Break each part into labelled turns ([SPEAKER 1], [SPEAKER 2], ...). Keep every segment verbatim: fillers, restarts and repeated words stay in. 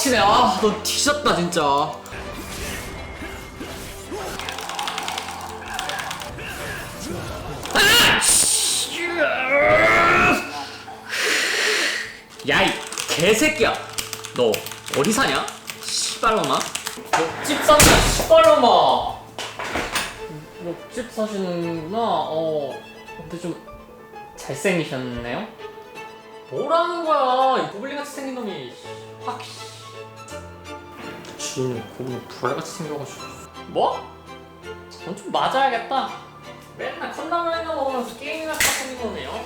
[SPEAKER 1] 빡치네. 아, 너 뒤졌다 진짜. 야, 이 개새끼야. 너 어디 사냐? 씨발놈아. 옆집 산다, 씨발놈아. 옆집 사시는구나. 어, 근데 좀 잘생기셨네요? 뭐라는 거야, 이 고블린같이 생긴 놈이. 확. 주인 고블린 불알같이 생겨가지고. 뭐? 넌 좀 맞아야겠다. 맨날 컵라면이나 먹으면서 게임이나 하고 생긴 놈이요.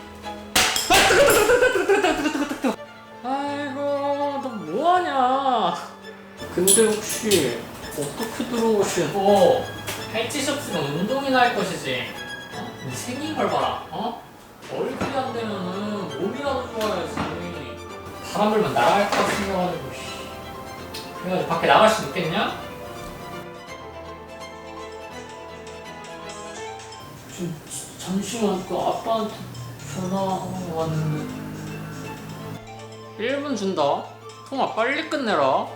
[SPEAKER 1] 아이고, 너 뭐하냐? 근데 혹시 어떻게 들어오신? 어, 할 짓이 없으면 운동이나 할 것이지. 어? 이 생긴 걸 봐라. 어? 얼굴이 안 되면은 몸이라도 좋아야지. 바람 불면 나갈 것 생겨가지고. 그래가지고 밖에 나갈 수 있겠냐? 좀 잠시만, 그 아빠한테 전화 왔는데. 일 분 준다. 통화 빨리 끝내라.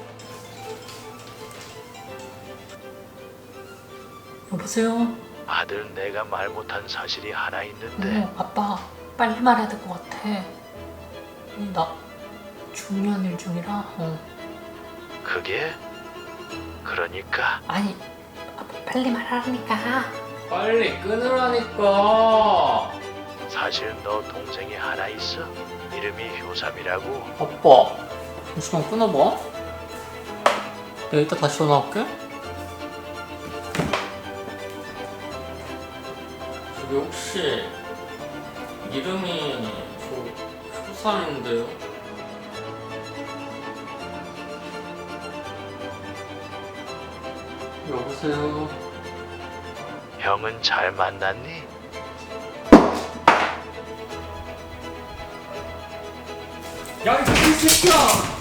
[SPEAKER 1] 여보세요?
[SPEAKER 2] 아들, 내가 말 못한 사실이 하나 있는데.
[SPEAKER 3] 어, 아빠 빨리 말해야 될 것 같아. 아니, 나 중요한 일 중이라. 어.
[SPEAKER 2] 그게? 그러니까
[SPEAKER 3] 아니 아빠 빨리 말하라니까.
[SPEAKER 1] 빨리 끊으라니까.
[SPEAKER 2] 사실 너 동생이 하나 있어. 이름이 효삼이라고.
[SPEAKER 1] 아빠, 잠시만 끊어봐. 내가 이따 다시 전화할게. 저기 혹시 이름이 저 효삼인데요? 여보세요?
[SPEAKER 2] 형은 잘 만났니?
[SPEAKER 1] 야, 이 새끼야!